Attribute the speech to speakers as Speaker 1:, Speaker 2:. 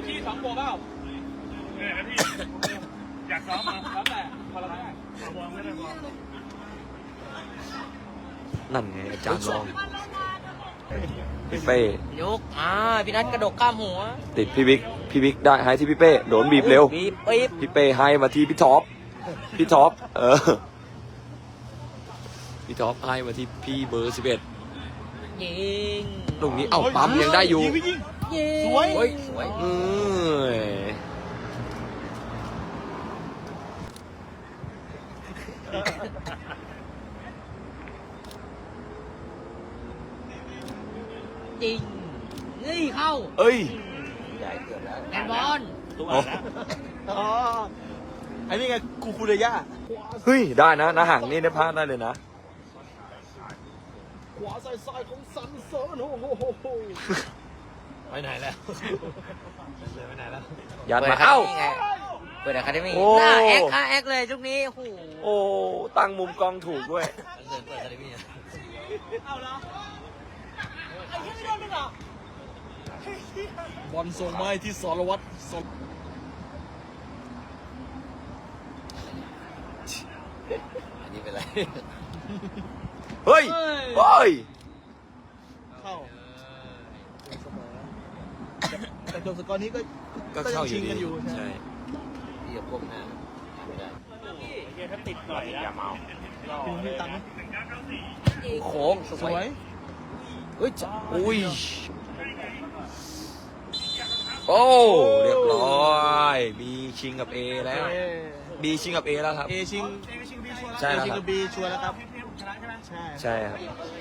Speaker 1: ที่2 ตัวเปล่า
Speaker 2: ที่อยากซ้อมมา
Speaker 1: แล้วแต่พอเราได้
Speaker 2: บอลไม่ได้บอล
Speaker 3: นั่นไงอาจารย์ลองพี่เป้
Speaker 4: ยกพี่นัทกระดกข้ามหัว
Speaker 3: ติดพี่บิ๊กได้ให้ที่พี่เป้โดนบีบเร็ว
Speaker 4: บีบปี๊บ
Speaker 3: พี่เป้ให้มาที่พี่ท็อปพี่ท็อปพี่ท็อปให้มาที่พี่เบอร์11
Speaker 4: ยิง
Speaker 3: ตรงนี้เอ้าปั๊มยังได้อยู่
Speaker 4: ยิง
Speaker 1: สวย
Speaker 4: เฮ้ยสวย จริงนี่เข้า
Speaker 3: เอ้ย
Speaker 4: ได้เกือบแล้วแอนบอล
Speaker 2: ตัว
Speaker 3: อ๋อ
Speaker 2: นะ
Speaker 1: อ๋อไอ้นี่ไงกูคูเรย่า
Speaker 3: เฮ้ยได้นะห่างนี่ได้พลาดได้เลยนะ
Speaker 1: ขวาซ้ายของซันเซิร์นโอ้โห
Speaker 2: ไปไหนแล้วไปไหนแล้ว
Speaker 3: ยัดมาเอ้า
Speaker 4: เปิดอะคาเดมี่
Speaker 3: โอ้
Speaker 4: หน้าแอคเลยชุกนี้โอ้โห
Speaker 3: โอ้ตั้งมุมกล้องถูกด้วย
Speaker 4: เปิดอะคาเดมี่
Speaker 1: เอาละไอ้ที่ไม่โดนมึงเหรอบอลส่งมาที่สรวัตร
Speaker 4: อันนี้เป็นไร
Speaker 3: เฮ้ยเฮ้ย
Speaker 1: เข้าเสมอแต่จบสกอร์นี้ก็
Speaker 3: ก็เข้าอยู่
Speaker 1: ชิง
Speaker 3: ดี
Speaker 1: กันอยู่
Speaker 3: ใช่
Speaker 4: พี่กับก้มหน้าไม่ได้
Speaker 2: ถ้าติดหน่อยอย่าเมา
Speaker 1: ถึงมีตังค์ไหม
Speaker 4: โค้งส
Speaker 1: ส
Speaker 4: ว
Speaker 1: วย ย
Speaker 4: เฮ้ยจ้ะ
Speaker 3: อุ้ยโอ้เรียบร้อยบีชิงกับเอแล้วบีชิงกับเอแล้วครับ
Speaker 1: เอชิง
Speaker 3: ใช่แล้ว
Speaker 1: ชิง
Speaker 3: ครั
Speaker 1: กับบ บีชัวร์แล้วครับ ใช่
Speaker 3: ใช่ครับ